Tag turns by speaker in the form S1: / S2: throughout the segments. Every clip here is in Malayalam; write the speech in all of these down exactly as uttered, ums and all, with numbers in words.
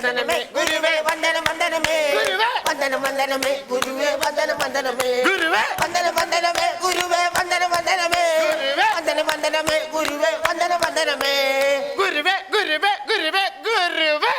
S1: വന്ദനമേ ഗുരുവേ വന്ദനം വന്ദനമേ വന്ദനം വന്ദനമേ ഗുരുവേ വന്ദനം വന്ദനമേ വന്ദനം വന്ദനമേ ഗുരുവേ വന്ദനം വന്ദനമേ വന്ദനം വന്ദനമേ ഗുരുവേ വന്ദനം വന്ദനമേ ഗുരുവേ ഗുരുവേ ഗുരുവേ ഗുരുവേ.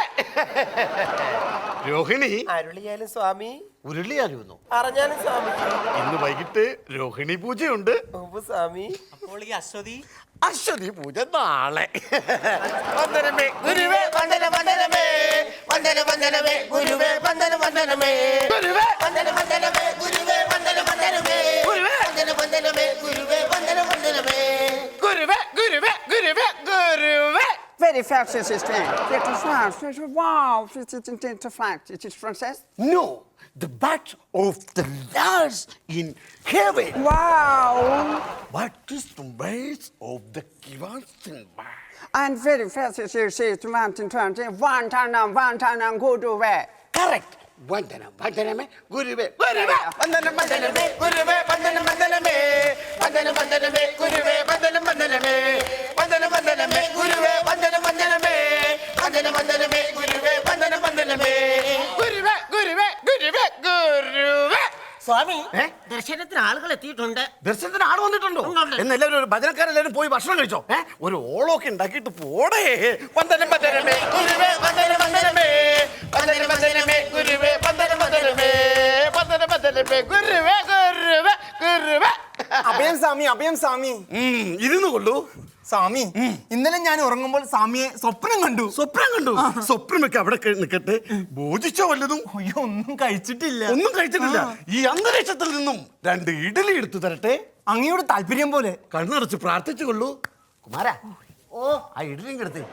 S2: രോഹിണി
S1: അരുളിയാലും സ്വാമി
S2: ഉരുളിയാലുന്നു
S1: അറിഞ്ഞാലും സ്വാമി.
S2: ഇന്ന് വൈകിട്ട് രോഹിണി പൂജയുണ്ട്
S1: സ്വാമി.
S3: അപ്പോൾ ഈ അശ്വതി
S2: അശ്വതി പൂജ നാളെ. വന്ദനമേ
S1: ഗുരുവേ വന്ദനം വന്ദനമേ വന്ദനം വന്ദനമേ ഗുരുവേ വന്ദനം വന്ദനമേ
S2: ഗുരുവേ
S1: വന്ദനം വന്ദനമേ ഗുരുവേ വന്ദനം വന്ദനമേ വന്ദനം വന്ദനമേ ഗുരുവേ വന്ദനം വന്ദനമേ
S2: ഗുരുവേ ഗുരുവേ ഗുരുവേ ഗുരുവേ.
S4: Very fast, sister. It is fast. It is wow. It is into fast. It is princess.
S2: No, the bat of the last in heaven.
S4: Wow.
S2: What is the base of the Kivasin bat?
S4: And very fast, sister. She is mountain twenty. One time, one time, go to where?
S2: Correct. വന്ദനം വന്ദനമേ ഗുരുവേ ഗുരുവേ.
S1: വന്ദനം വന്ദനമേ ഗുരുവേ വന്ദനം വന്ദനമേ വന്ദനം വന്ദനമേ ഗുരുവേ വന്ദനം വന്ദനമേ വന്ദനം വന്ദനമേ ഗുരുവേ വന്ദനം വന്ദനമേ വന്ദനം വന്ദനമേ ഗുരുവേ വന്ദനം വന്ദനമേ
S2: ഗുരുവേ ഗുരുവേ ഗുരുവേ ഗുരുവേ.
S3: സ്വാമി ദർശനത്തിന് ആളുകൾ എത്തിയിട്ടുണ്ട്.
S2: ദർശനത്തിന് ആട് വന്നിട്ടുണ്ടോ?
S3: ഉണ്ട്.
S2: എന്ന് എല്ലാവരും ഒരു ഭജനക്കാരെല്ലാവരും പോയി ഭക്ഷണം കഴിച്ചോ? ഏഹ് ഒരു ഓളമൊക്കെ ഉണ്ടാക്കിയിട്ട് പോടേ. വന്ദനം വന്ദനമേ
S1: ഗുരുവേ വന്ദനം വന്ദനമേ വന്ദനം വന്ദനമേ ഗുരുവേ വന്ദനം വന്ദനമേ
S2: വന്ദനം വന്ദനമേ ഗുരുവേ ഗുരുവേ ഗുരുവേ.
S5: അഭയം സ്വാമി, അഭയം സ്വാമി.
S2: ഇരുന്നു കൊള്ളൂ
S5: സ്വാമി, ഇന്നലെ ഞാൻ ഉറങ്ങുമ്പോൾ സ്വാമിയെ സ്വപ്നം കണ്ടു.
S2: സ്വപ്നം കണ്ടു? സ്വപ്നമൊക്കെ അവിടെ നിൽക്കട്ടെ. ഭോജിച്ചോ വല്ലതും?
S5: അയ്യോ, ഒന്നും കഴിച്ചിട്ടില്ല.
S2: ഒന്നും കഴിച്ചിട്ടില്ല. ഈ അന്തരീക്ഷത്തിൽ നിന്നും രണ്ട് ഇഡലി എടുത്തു തരട്ടെ.
S5: അങ്ങയുടെ താല്പര്യം പോലെ.
S2: കണ്ണടച്ച് പ്രാർത്ഥിച്ചു കൊള്ളൂ. കുമാരാ, ഓ ആ ഇഡലിയും എടുത്ത്.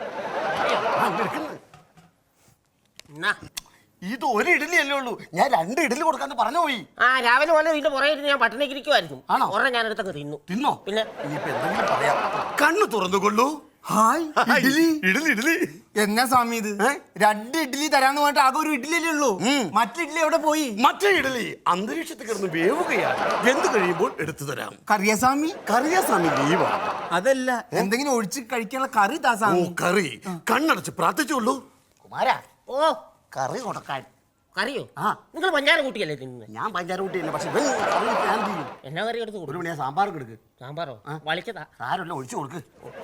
S2: ഇത് ഒരു ഇഡലി അല്ലേ ഉള്ളൂ. ഞാൻ രണ്ട് ഇഡലി കൊടുക്കാന്ന് പറഞ്ഞു പോയി.
S3: ആ രാവിലെ പോലെ ഇതിന്റെ പുറകെ ഇരുന്ന് ഞാൻ പട്ടിണിക്ക് ഇരിക്കുമായിരുന്നു.
S2: ആണോ?
S3: ഒരെണ്ണം ഞാൻ എടുത്തങ്ങ് തിന്നു.
S2: തിന്നോ?
S3: പിന്നെ
S2: ഇനിയിപ്പോ എന്തെങ്കിലും പറയാം. കണ്ണു തുറന്നുകൊള്ളൂ.
S5: ഹായ്, ഇഡ്ഡലി.
S2: ഇഡലി ഇഡലി
S5: എന്നാ സ്വാമി ഇത്? രണ്ട് ഇഡ്ഡലി തരാന്ന് പറഞ്ഞിട്ട് ആകെ ഒരു ഇഡ്ഡലി അല്ലേ ഉള്ളൂ. മറ്റു ഇഡ്ഡലി എവിടെ പോയി?
S2: മറ്റേ ഇഡലി അന്തരീക്ഷത്തിൽ കിടന്ന് വേവുകയാണ്. വെന്ത് കഴിയുമ്പോൾ എടുത്തു തരാം.
S5: കറിയ സ്വാമി?
S2: കറിയാ സ്വാമി ലീവാണ്.
S5: അതല്ല, എന്തെങ്കിലും ഒഴിച്ച് കഴിക്കാനുള്ള കറി താ
S2: ഓ
S5: സ്വാമി.
S2: കറി. കണ്ണടച്ച് പ്രാർത്ഥിച്ചോളൂ.
S3: കുമാരാ, ഓ
S2: കറി കൊടുക്കാൻ.
S3: കറിയോ?
S2: ആ,
S3: നിങ്ങൾ പഞ്ചാര കൂട്ടിയല്ലേ തിന്നുന്നത്?
S2: ഞാൻ പഞ്ചാര കൂട്ടിയില്ല. പക്ഷെ ഇവൻ കറി ഞാൻ ചെയ്യും.
S3: എന്നാ കറി എടുത്ത്
S2: ഒരു
S3: കൊടുക്കും?
S2: മണിയാ സാമ്പാർ എടുക്ക്.
S3: സാമ്പാറോ? വളിച്ചതാ.
S2: സാരമില്ല, ഒഴിച്ചു കൊടുക്ക്.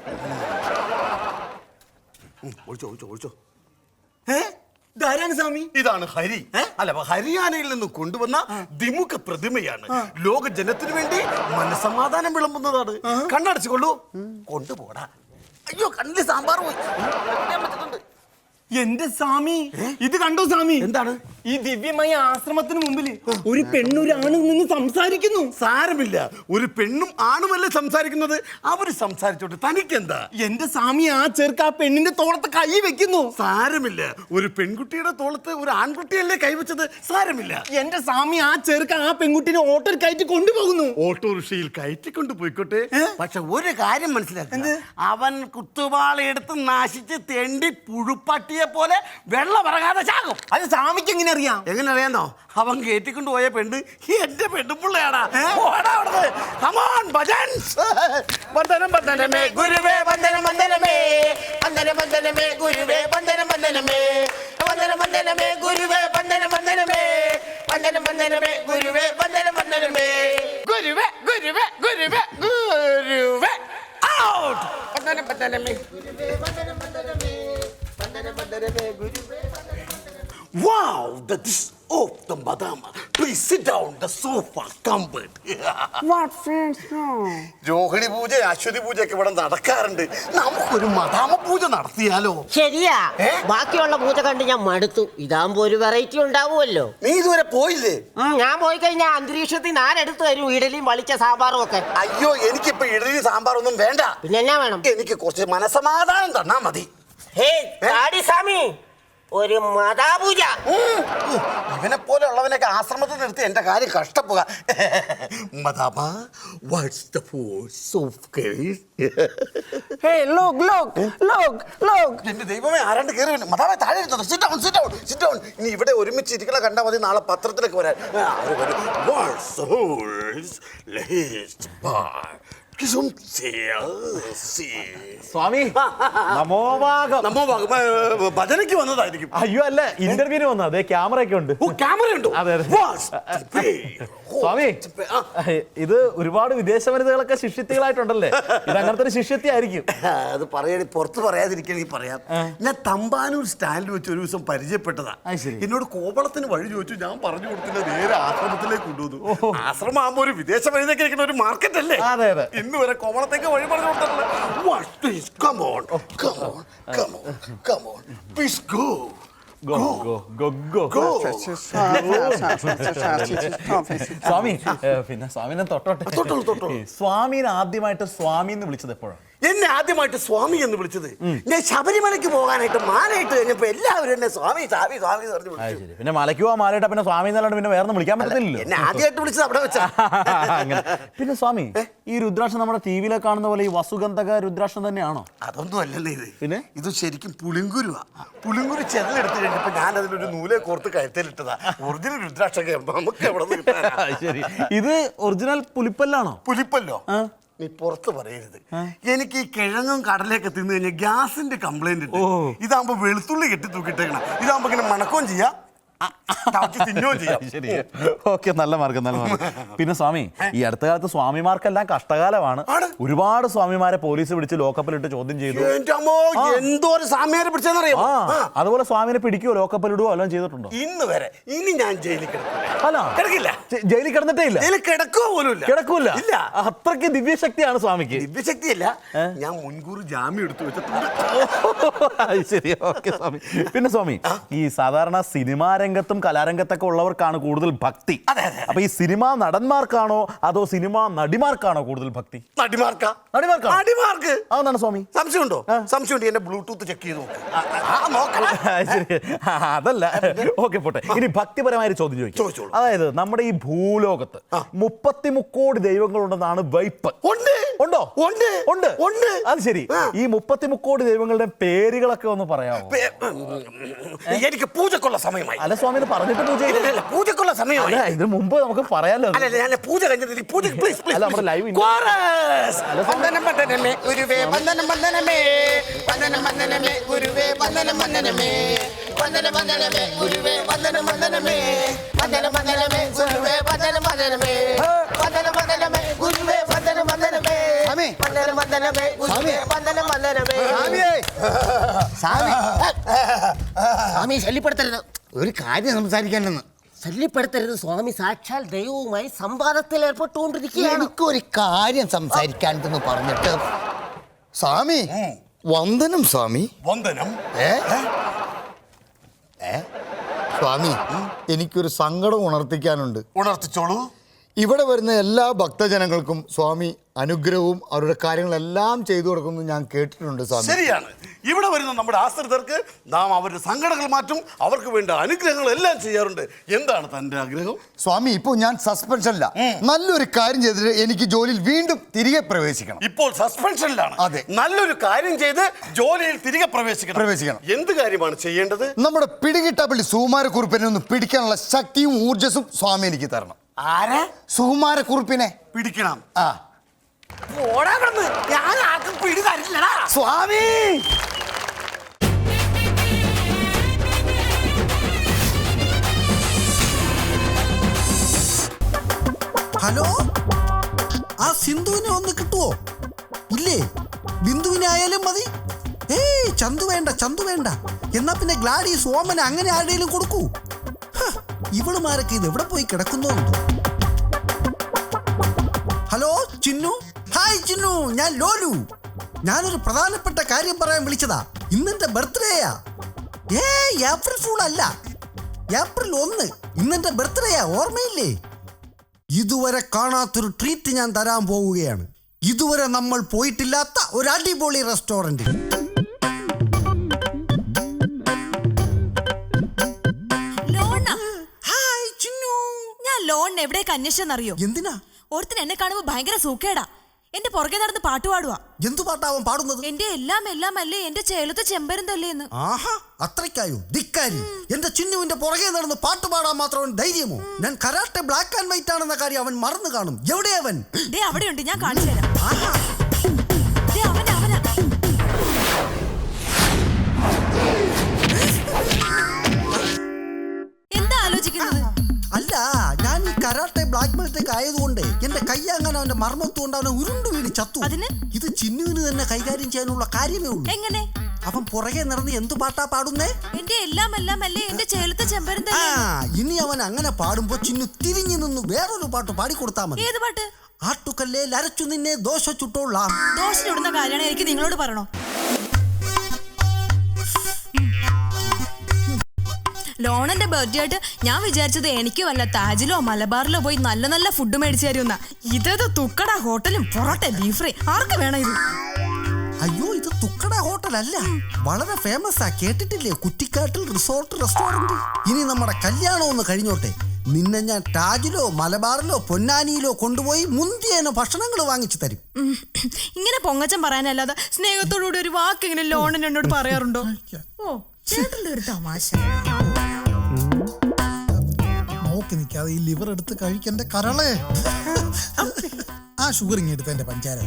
S2: ഒഴിച്ചോ ഒഴിച്ചോ ഒഴിച്ചോ.
S5: ഏ, ധാരാണ് സ്വാമി.
S2: ഇതാണ് ഹരി. അല്ല, ഹരിയാനയിൽ നിന്ന് കൊണ്ടുവന്ന ദ്വിമുഖ പ്രതിമയാണ്. ലോക ജനത്തിനു വേണ്ടി മനസമാധാനം വിളമ്പുന്നതാണ്. കണ്ണടച്ചുകൊള്ളൂ. കൊണ്ടുപോടാ. അയ്യോ, കണ്ണില് സാമ്പാർ പോയി. പറ്റുന്നുണ്ട്.
S5: എന്റെ സ്വാമി, ഇത് കണ്ടോ സ്വാമി?
S2: എന്താണ്?
S5: ഈ ദിവ്യമായ ആശ്രമത്തിന് മുമ്പിൽ ഒരു പെണ്ണൊരു ആണും നിന്ന് സംസാരിക്കുന്നു.
S2: സാരമില്ല, ഒരു പെണ്ണും ആണുമല്ലേ സംസാരിക്കുന്നത്. അവര് സംസാരിച്ചോട്ടെ, തനിക്കെന്താ?
S5: എന്റെ സ്വാമി, ആ ചെറുക്ക് ആ പെണ്ണിന്റെ തോളത്ത് കൈ വെക്കുന്നു.
S2: സാരമില്ല, ഒരു പെൺകുട്ടിയുടെ തോളത്ത് ഒരു ആൺകുട്ടിയല്ലേ കൈവച്ചത്. സാരമില്ല.
S5: എന്റെ സ്വാമി, ആ ചെറുക്ക് ആ പെൺകുട്ടിനെ ഓട്ടോയിൽ കയറ്റി കൊണ്ടുപോകുന്നു.
S2: ഓട്ടോറിക്ഷയിൽ കയറ്റിക്കൊണ്ട് പോയിക്കോട്ടെ. പക്ഷെ ഒരു കാര്യം മനസ്സിലാക്കുക, അവൻ കുത്തുവാളെടുത്ത് നശിച്ച് തെണ്ടി പുഴുപ്പട്ടിയെ പോലെ വെള്ളം ഇറങ്ങാതെ ചാകും.
S5: അത് സ്വാമിക്ക് എങ്ങനെ അറിയാം?
S2: എങ്ങനെ അറിയാന്നോ? അവൻ കയറ്റിക്കൊണ്ട് പോയ പെണ്ണ് എന്റെ പെണ്ണുപിള്ളയാടാ. വന്ദനം വന്ദനമേ
S1: ഗുരുവേ വന്ദനം വന്ദനമേ വന്ദനം വന്ദനമേ ഗുരുവേ വന്ദനം വന്ദനമേ വന്ദനം വന്ദനമേ ഗുരുവേ വന്ദനം വന്ദനമേ വന്ദനം വന്ദനമേ ഗുരുവേ വന്ദനം വന്ദനമേ
S2: ഗുരുവേ ഗുരുവേ ഗുരുവേ ഗുരുവേ. ഔട്ട്. വന്ദനം വന്ദനമേ
S1: ഗുരുവേ വന്ദനം വന്ദനമേ വന്ദനം വന്ദനമേ ഗുരുവേ വന്ദനം വന്ദനമേ.
S2: Wow, the dish of the madama. Please sit down, the sofa comfort.
S4: What friends no?
S2: Rohini പൂജ, അശ്വതി പൂജയൊക്കെ ഇവിടെ നടക്കാറുണ്ട്. നമുക്കൊരു മദാമ പൂജ നടത്തിയാലോ?
S3: ശരിയാ. ബാക്കിയുള്ള പൂജ കണ്ട് ഞാൻ മടുത്തു. ഇതാകുമ്പോ ഒരു വെറൈറ്റി ഉണ്ടാവുമല്ലോ.
S2: നീ ഇതുവരെ പോയില്ലേ?
S3: ഞാൻ പോയി കഴിഞ്ഞാൽ അന്തരീക്ഷത്തിൽ ഞാൻ എടുത്തു തരും ഇഡലിയും വളിച്ച സാമ്പാറും ഒക്കെ.
S2: അയ്യോ, എനിക്കിപ്പോ ഇഡലി സാമ്പാറൊന്നും വേണ്ട.
S3: പിന്നെ എന്നാ വേണം?
S2: എനിക്ക് കുറച്ച് മനസമാധാനം തന്നാ മതി.
S3: ഹേ സ്വാമി, ഒരു മതാപൂജ.
S2: ഇവനെ പോലെ ഉള്ളവനൊക്കെ ആശ്രമത്തിൽ നിർത്തി എന്റെ കാര്യം കഷ്ടപ്പുക. മദാമ, what's the force of grace?
S4: Hey, look, look, look, look.
S2: എന്റെ ദൈവമേ, ആരാണ്ട് കയറി വന്നു. മദാമ താഴെ ഇരുന്നോ. Sit down, sit down, sit down. ഇനി ഇവിടെ ഒരുമിച്ച് ഇരിക്കണ കണ്ടാ മതി, നാളെ പത്രത്തിലൊക്കെ വരാൻ. What's the horse? Let's bar
S6: സ്വാമി നമോഭാഗം.
S2: നമ്മ ഭ- ഭജനയ്ക്ക് വന്നതായിരിക്കും.
S6: അയ്യോ അല്ല, ഇന്റർവ്യൂവിന് വന്നു. അതെ, ക്യാമറ ഒക്കെ ഉണ്ട്.
S2: ഓ, ക്യാമറ ഉണ്ടോ?
S6: അതെ, അതെ.
S2: വാ, stupid.
S6: സ്വാമി,
S2: ആ.
S6: ഇത് ഒരുപാട് വിദേശ വനിതകളൊക്കെ ശിഷ്യത്തികളായിട്ടുണ്ടല്ലേ? ഇത് അങ്ങനത്തെ ഒരു ശിഷ്യത്തി ആയിരിക്കും.
S2: അത് പറയണി പുറത്ത് പറയാതിരിക്കണെങ്കിൽ പറയാം. ഞാൻ തമ്പാനൂർ സ്റ്റാൻഡിൽ വെച്ച് ഒരു ദിവസം പരിചയപ്പെട്ടതാ.
S6: അത് ശരി.
S2: എന്നോട് കോവളത്തിന് വഴി ചോദിച്ചു. ഞാൻ പറഞ്ഞു കൊടുത്തില്ല, നേരെ ആശ്രമത്തിലേക്ക് കൊണ്ടുവന്നു. ആശ്രമം ആകുമ്പോ ഒരു വിദേശ വനിതയ്ക്ക് ഇരിക്കുന്ന ഒരു മാർക്കറ്റ് അല്ലേ?
S6: അതെ, അതെ.
S2: ഇന്ന് വരെ കോവളത്തേക്ക് വഴി പറഞ്ഞു കൊടുത്തിട്ടില്ല. What is- come on, come on, come on, come on. Please go.
S6: Go, go, go, go.
S2: Go.
S6: സ്വാമി, ഏ, പിന്നെ സ്വാമിനെ തൊട്ടോട്ടെ.
S2: തൊട്ടോളൂ, തൊട്ടോളൂ.
S6: ഈ സ്വാമിനെ ആദ്യമായിട്ട് സ്വാമി എന്ന് വിളിച്ചത് എപ്പോഴാണ്?
S2: എന്നെ ആദ്യമായിട്ട് സ്വാമി എന്ന് വിളിച്ചത് ഞാൻ ശബരിമലയ്ക്ക് പോകാനായിട്ട് മാലയിട്ട് കഴിഞ്ഞപ്പോ എല്ലാവരും എന്നെ സ്വാമി സ്വാമി സ്വാമി എന്ന് പറഞ്ഞു
S6: അത്
S2: വിളിച്ചു.
S6: ശരി. പിന്നെ മലയ്ക്ക് പോവാൻ മാലയിട്ട പിന്നെ സ്വാമി എന്നല്ലാണ്ട് പിന്നെ വേറെ വിളിക്കാൻ പറ്റത്തില്ലല്ലോ.
S2: എന്നെ ആദ്യമായിട്ട് വിളിച്ചത് അവിടെ വെച്ചാ.
S6: അങ്ങനെ. പിന്നെ സ്വാമി, ഈ രുദ്രാക്ഷം നമ്മുടെ ടി വിയിലെ കാണുന്ന പോലെ ഈ വസുഗന്ധക രുദ്രാക്ഷം തന്നെയാണോ?
S2: അതൊന്നും അല്ലല്ലേ ഇത്.
S6: പിന്നെ?
S2: ഇത് ശരിക്കും പുളിങ്കുരുവാ. പുളിങ്കുരു ചെതലെടുത്ത് കഴിഞ്ഞപ്പോ ഞാൻ അതിലൊരു നൂലെ കോർത്ത് കഴുത്തിലിട്ടതാ. ഒറിജിനൽ രുദ്രാക്ഷൊക്കെ നമുക്ക് എവിടെ നിന്ന് കിട്ടാനാ?
S6: അത് ശരി. ഇത് ഒറിജിനൽ പുലിപ്പല്ലാണോ?
S2: പുലിപ്പല്ലോ?
S6: ആ.
S2: നീ പുറത്ത് പറയരുത്. എനിക്ക് ഈ കിഴങ്ങും കടലയൊക്കെ തിന്നു കഴിഞ്ഞാൽ ഗ്യാസിന്റെ കംപ്ലൈന്റ് ഉണ്ട്. ഇതാകുമ്പോ വെളുത്തുള്ളി കെട്ടി തൂക്കിട്ടേക്കണം. ഇതാകുമ്പോ ഇങ്ങനെ മണക്കുകയും ചെയ്യാം, തിന്നുകയും ചെയ്യാം.
S6: ശരി, ഓക്കെ, നല്ല മാർഗം, നല്ല മാർഗം. പിന്നെ സ്വാമി, ഈ അടുത്ത കാലത്ത് സ്വാമിമാർക്കെല്ലാം കഷ്ടകാലമാണ്.
S2: ആണ്.
S6: ഒരുപാട് സ്വാമിമാരെ പോലീസ് പിടിച്ച് ലോക്കപ്പിലിട്ട് ചോദ്യം ചെയ്തു.
S2: എന്റെ അമ്മോ, എന്തോ ഒരു സാമ്യാരെ പിടിച്ചെന്നറിയാം.
S6: ആ, അതുപോലെ സ്വാമിനെ പിടിക്കുകയോ ലോക്കപ്പിലിടുകയോ എല്ലാം ചെയ്തിട്ടുണ്ടോ?
S2: ഇന്ന് വരെ ഇനി ഞാൻ ജയിലിൽ കിടക്കില്ല.
S6: അല്ല,
S2: കിടക്കില്ല.
S6: ജ- ജയിലിൽ കിടന്നിട്ടേ ഇല്ല.
S2: ജയിലിൽ കിടക്കുക പോലും ഇല്ല.
S6: കിടക്കൂല.
S2: ഇല്ല.
S6: അത്രയ്ക്ക് ദിവ്യശക്തിയാണ് സ്വാമിക്ക്.
S2: ദിവ്യശക്തിയല്ല, ഞാൻ മുൻകൂർ ജാമ്യം എടുത്തു വെച്ചിട്ടുണ്ട്.
S6: അത് ശരി, ഓക്കെ സ്വാമി. പിന്നെ സ്വാമി, ഈ സാധാരണ സിനിമാ രംഗത്തും കലാരംഗത്തൊക്കെ ഉള്ളവർക്കാണ് കൂടുതൽ ഭക്തി.
S2: അതെ, അതെ.
S6: അപ്പൊ ഈ സിനിമാ നടന്മാർക്കാണോ അതോ സിനിമാ നടിമാർക്കാണോ കൂടുതൽ ഭക്തി?
S2: നടിമാർക്കാ?
S6: നടിമാർക്കാ?
S2: നടിമാർക്ക്.
S6: അതെന്താണ് സ്വാമി?
S2: സംശയമുണ്ടോ? സംശയമുണ്ട്. എന്റെ ബ്ലൂടൂത്ത് ചെക്ക് ചെയ്ത് നോക്ക്. ആ, നോക്കണം.
S6: അത് ശരി. ആ, അതല്ല, ഓക്കെ, പോട്ടെ. ഇനി ഭക്തിപരമായ ഒരു ചോദ്യം ചോദിക്കും.
S2: ചോദിച്ചോളൂ.
S6: അതായത് നമ്മുടെ ഈ ഭൂലോകത്ത് മുപ്പത്തി മുക്കോടി ദൈവങ്ങളുണ്ടെന്നാണ് വൈപ്പ്.
S2: ഉണ്ട്.
S6: ഉണ്ടോ?
S2: ഉണ്ട്.
S6: ഉണ്ട്.
S2: ഉണ്ട്.
S6: അത് ശരി.
S2: ആ.
S6: ഈ മുപ്പത്തി മുക്കോടി ദൈവങ്ങളുടെ പേരുകളൊക്കെ ഒന്ന് പറയാമോ?
S2: പേ- എനിക്ക് പൂജക്കുള്ള സമയമായി.
S6: അല്ല സ്വാമി, ഇത് പറഞ്ഞിട്ട് പൂജ
S2: ഇല്ല,
S6: ചെയ്തു.
S2: ഇല്ല, പൂജക്കുള്ള സമയമായി.
S6: അല്ല, ഇതിന് മുമ്പ് നമുക്ക് പറയാലോ.
S2: അല്ല, അല്ല, ഞാൻ പൂജ കഴിഞ്ഞില്ല. പൂജ പ്ലീസ് പ്ലീസ്.
S6: അല്ല, നമ്മുടെ ലൈവ് ഇല്ല.
S2: കോറസ്.
S6: അല്ല, സ്വാമി.
S1: വന്ദനം വന്ദനമേ ഗുരുവേ വന്ദനം വന്ദനമേ വന്ദനം വന്ദനമേ ഗുരുവേ വന്ദനം വന്ദനമേ വന്ദനം വന്ദനമേ ഗുരുവേ വന്ദനം വന്ദനമേ വന്ദനം വന്ദനമേ ഗുരുവേ വന്ദനം വന്ദനമേ വന്ദനം വന്ദനമേ ഗുരുവേ വന്ദനം വന്ദനമേ
S4: സ്വാമി.
S1: വന്ദനം വന്ദനമേ ഗുരുവേ വന്ദനം വന്ദനമേ.
S4: സ്വാമി,
S1: സ്വാമി ശല്യപ്പെടുത്തരുത്.
S4: ഒരു കാര്യം സംസാരിക്കാനെന്ന്.
S3: ശല്യപ്പെടുത്തരുത് സ്വാമി, സാക്ഷാൽ ദൈവവുമായി സംവാദത്തിൽ ഏർപ്പെട്ടുകൊണ്ടിരിക്കുകയാണ്.
S4: എനിക്കൊരു കാര്യം സംസാരിക്കാനെന്ന് പറഞ്ഞിട്ട് സ്വാമി, വന്ദനം സ്വാമി.
S2: വന്ദനം.
S4: ഏ ഏ സ്വാമി, എനിക്കൊരു സങ്കടം ഉണർത്തിക്കാനുണ്ട്.
S2: ഉണർത്തിച്ചോളൂ.
S4: ഇവിടെ വരുന്ന എല്ലാ ഭക്തജനങ്ങൾക്കും സ്വാമി അനുഗ്രഹവും അവരുടെ കാര്യങ്ങളെല്ലാം ചെയ്തു കൊടുക്കുന്നു ഞാൻ കേട്ടിട്ടുണ്ട് സ്വാമി.
S2: ശരിയാണ്. ഇവിടെ വരുന്ന നമ്മുടെ ആശ്രിതർക്ക് നാം അവരുടെ സങ്കടങ്ങൾ മാറ്റും, അവർക്ക് വേണ്ട അനുഗ്രഹങ്ങൾ എല്ലാം ചെയ്യാറുണ്ട്. എന്താണ് തന്റെ ആഗ്രഹം?
S4: സ്വാമി, ഇപ്പോൾ ഞാൻ സസ്പെൻഷനില്ല. നല്ലൊരു കാര്യം ചെയ്തിട്ട് എനിക്ക് ജോലിയിൽ വീണ്ടും തിരികെ പ്രവേശിക്കണം.
S2: ഇപ്പോൾ സസ്പെൻഷനിലാണ്.
S4: അതെ.
S2: നല്ലൊരു കാര്യം ചെയ്ത് ജോലിയിൽ തിരികെ പ്രവേശിക്കണം.
S4: പ്രവേശിക്കണം.
S2: എന്ത് കാര്യമാണ് ചെയ്യേണ്ടത്?
S4: നമ്മുടെ പിടികിട്ടാപ്പള്ളി സുകുമാരക്കുറുപ്പിനെ ഒന്ന് പിടിക്കാനുള്ള ശക്തിയും ഊർജസും സ്വാമി എനിക്ക് തരണം.
S2: ആരെ
S4: സുകുമാരക്കുറുപ്പിനെ
S2: പിടിക്കണം?
S4: ആ
S2: ഓടാ കിടന്ന്. ഞാൻ ആർക്കും പിടി തരില്ലടാ
S4: സ്വാമി.
S7: ഹലോ, ആ സിന്ധുവിനെ ഒന്ന് കിട്ടുവോ? ഇല്ലേ, ബിന്ദുവിനെ ആയാലും മതി. ഏയ് ചന്തു വേണ്ട, ചന്തു വേണ്ട. എന്നാ പിന്നെ ഗ്ലാഡീസ്, ഓമന അങ്ങനെ ആരുടെയും കൊടുക്കൂ. ഹ, ഇവളുമാരൊക്കെ ഇത് എവിടെ പോയി കിടക്കുന്നു? ഹലോ ചിന്നു. ഹായ് ചിന്നു, ഞാൻ ലോലു. ഞാനൊരു പ്രധാനപ്പെട്ട കാര്യം പറയാൻ വിളിച്ചതാ. ഇന്നെന്റെ ബർത്ത്ഡേയാ. ഏ ഏപ്രിൽ ഫൂൾ അല്ല, ഏപ്രിൽ ഒന്ന്. ഇന്നെന്റെ ബർത്ത്ഡേയാ, ഓർമ്മയില്ലേ? ഇതുവരെ കാണാത്തൊരു ട്രീറ്റ് ഞാൻ തരാൻ പോവുകയാണ്. ഇതുവരെ നമ്മൾ പോയിട്ടില്ലാത്ത ഒരു അടിപൊളി റെസ്റ്റോറന്റ്. ഹായ് ചിന്നു.
S8: ഞാൻ ലോണിന് എവിടേക്ക് അന്വേഷിച്ചെന്നറിയോ?
S7: എന്തിനാ?
S8: ഒരുത്തിന് എന്നെ കാണുമ്പോ ഭയങ്കര സൂക്കേടാ. എന്റെ പുറകെ നടന്ന് പാട്ട് പാടുവാ.
S7: എന്തു പാട്ടാവൻ പാടുന്നത്?
S8: എന്റെ എല്ലാം എല്ലാം അല്ലേ, എന്റെ ചേലത്തെ ചെമ്പരം തല്ലേന്ന്.
S7: ആഹാ, അത്രയ്ക്കായോ ധിക്കാരി? എന്റെ ചിന്നുവിന്റെ പുറകെ നടന്ന് പാട്ട് പാടാൻ മാത്രം ധൈര്യമോ? ഞാൻ കരാട്ടെ ബ്ലാക്ക് ആൻഡ് വൈറ്റ് ആണെന്ന കാര്യം അവൻ മറന്നു കാണും. എവിടെ അവൻ?
S8: ദേ അവിടെയുണ്ട്, ഞാൻ കാണിച്ചു തരാം.
S7: ആഹാ,
S8: ദേ അവനാ അവനാ. എന്താ ആലോചിക്കുന്നത്?
S7: അല്ല, ഞാൻ ഈ കരാട്ടെ ബ്ലാക്ക് ബെൽറ്റൊക്കെ ആയതുകൊണ്ട് എന്റെ കൈ അങ്ങനെ അവന്റെ മർമ്മത്ത് കൊണ്ട് അവനെ ഉരുണ്ടു വീണ് ചത്തു.
S8: അതിന്?
S7: ഇത് ചിന്നുവിന് തന്നെ കൈകാര്യം ചെയ്യാനുള്ള കാര്യമേ ഉള്ളൂ.
S8: എങ്ങനെ?
S7: അവൻ പുറകെ നടന്ന് എന്തു പാട്ടാ പാടുന്നേ?
S8: എന്റെ എല്ലാം എല്ലാം അല്ലേ, എന്റെ ചേലത്തെ ചെമ്പരം
S7: ആ,
S8: തല്ലേ.
S7: ഇനി അവൻ അങ്ങനെ പാടുമ്പോ ചിന്നു തിരിഞ്ഞു നിന്ന് വേറൊരു പാട്ട് പാടിക്കൊടുത്താ മതി.
S8: ഏത് പാട്ട്?
S7: ആട്ടുകല്ലേ ലരച്ചു നിന്നെ ദോശ ചുട്ടോളാം.
S8: ദോശ ചുടുന്ന കാര്യമാണ് എനിക്ക് നിങ്ങളോട് പറയണോ? ലോണന്റെ ബർത്ത്ഡേ ആയിട്ട് ഞാൻ വിചാരിച്ചത് എനിക്ക് വല്ല താജിലോ മലബാറിലോ പോയി നല്ല നല്ല ഫുഡ് മേടിച്ചു തരുന്ന. ഇതേത് തുക്കട ഹോട്ടലും പൊറോട്ട ബീഫ് ഫ്രൈ. ആർക്ക് വേണം ഇത്?
S7: അയ്യോ, ഇത് തുക്കട ഹോട്ടലല്ല, വളരെ ഫേമസ് ആ. കേട്ടിട്ടില്ലേ? കുറ്റിക്കാട്ടിൽ റിസോർട്ട് റെസ്റ്റോറന്റ്. ഇനി നമ്മുടെ കല്യാണം ഒന്ന് കഴിഞ്ഞോട്ടെ, നിന്നെ ഞാൻ താജിലോ മലബാറിലോ പൊന്നാനിയിലോ കൊണ്ടുപോയി മുന്തിയേനോ ഭക്ഷണങ്ങൾ വാങ്ങിച്ചു തരും.
S8: ഇങ്ങനെ പൊങ്ങച്ചം പറയാനല്ലാതെ സ്നേഹത്തോടുകൂടി ഒരു വാക്ക് ഇങ്ങനെ ലോണൻ എന്നോട് പറയാറുണ്ടോ? ഓ, ചേട്ടന്റെ ഒരു തമാശ.
S9: നോക്കി നിൽക്കാതെ ഈ ലിവർ എടുത്ത് കഴിക്കന്റെ കരളെ. ആ ഷുഗർ ഇങ്ങ് എടുത്ത എന്റെ പഞ്ചാര.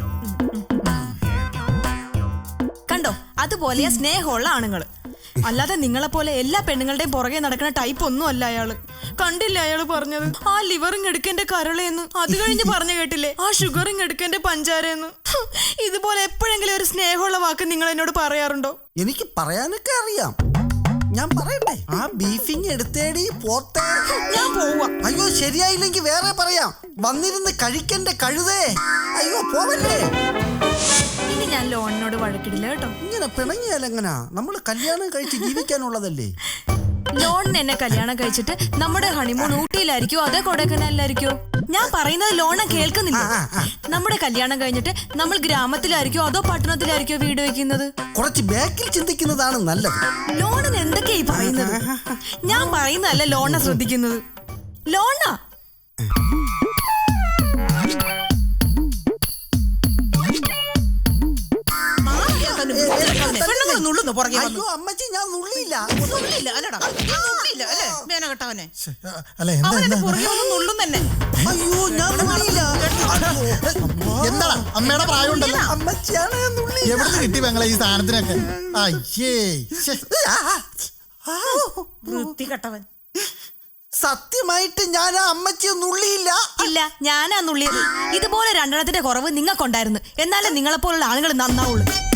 S8: കണ്ടോ, അതുപോലെയാ സ്നേഹമുള്ള ആണുങ്ങള്. അല്ലാതെ നിങ്ങളെ പോലെ എല്ലാ പെണ്ണുങ്ങളുടെയും പുറകെ നടക്കുന്ന ടൈപ്പ് ഒന്നും അല്ല അയാള്. കണ്ടില്ല അയാള് പറഞ്ഞത്? ആ ലിവറിങ് എടുക്കന്റെ കരളേന്ന്. അത് കഴിഞ്ഞ് പറഞ്ഞു കേട്ടില്ലേ, ആ ഷുഗറിങ് എടുക്കന്റെ പഞ്ചാരയെന്ന്. ഇതുപോലെ എപ്പോഴെങ്കിലും ഒരു സ്നേഹമുള്ള വാക്ക് നിങ്ങൾ എന്നോട് പറയാറുണ്ടോ?
S7: എനിക്ക് പറയാനൊക്കെ അറിയാം. ഞാൻ പറയട്ടെ? ആ ബീഫിങ് എടുത്തേടി പോത്തെ.
S8: ഞാൻ പോവാ.
S7: അയ്യോ, ശരിയായില്ലെങ്കിൽ വേറെ പറയാം. വന്നിരുന്ന് കഴിക്കന്റെ കഴുതേ. അയ്യോ, പോവല്ലേ.
S8: ഇനി ഞാൻ ലോണിനോട് വഴക്കിടില്ല കേട്ടോ.
S7: ഇങ്ങനെ പിണങ്ങിയാലെങ്ങനാ? നമ്മൾ കല്യാണം കഴിച്ച് ജീവിക്കാനുള്ളതല്ലേ.
S8: ലോണിന് എന്നെ കല്യാണം കഴിച്ചിട്ട് നമ്മുടെ ഹണിമൂൺ ഊട്ടിയിലായിരിക്കോ അതേ കൊടൈക്കനാലിലായിരിക്കോ? ഞാൻ പറയുന്നത് ലോണ കേൾക്കുന്നില്ല. നമ്മുടെ കല്യാണം കഴിഞ്ഞിട്ട് നമ്മൾ ഗ്രാമത്തിലായിരിക്കോ അതോ പട്ടണത്തിലായിരിക്കോ വീട് വെക്കുന്നത്?
S7: കുറച്ച് ബാക്കിൽ ചിന്തിക്കുന്നതാണ് നല്ലത്.
S8: ലോണിന് എന്തൊക്കെയായി പറയുന്നത്? ഞാൻ പറയുന്നതല്ല ലോണ ശ്രദ്ധിക്കുന്നത്. ലോണ
S7: അയ്യോ അമ്മച്ചി, ഞാൻ നുള്ളിയില്ല.
S9: അല്ല എന്താ എന്താ
S7: അയ്യോ, ഞാൻ നുള്ളിയില്ല.
S9: എന്താ അമ്മയുടെ പ്രായം ഉണ്ടല്ലോ.
S7: അമ്മച്ചിയാണ് ഞാൻ നുള്ളി.
S9: എവിടുന്ന് കിട്ടി പെങ്ങളെ ഈ സാധനത്തിനൊക്കെ? അയ്യേ, ശ്ശെ.
S8: വൃത്തികെട്ടവൻ.
S7: സത്യമായിട്ട് ഞാൻ ആ അമ്മച്ചിയെ നുള്ളിയില്ല.
S8: ഇല്ല, ഞാനാ നുള്ളിയത്. ഇതുപോലെ രണ്ടെണ്ണത്തിന്റെ കുറവ് നിങ്ങൾക്കുണ്ടായിരുന്നു. എന്നാലേ നിങ്ങളെപ്പോലുള്ള ആളുകൾ നന്നാവുള്ളൂ.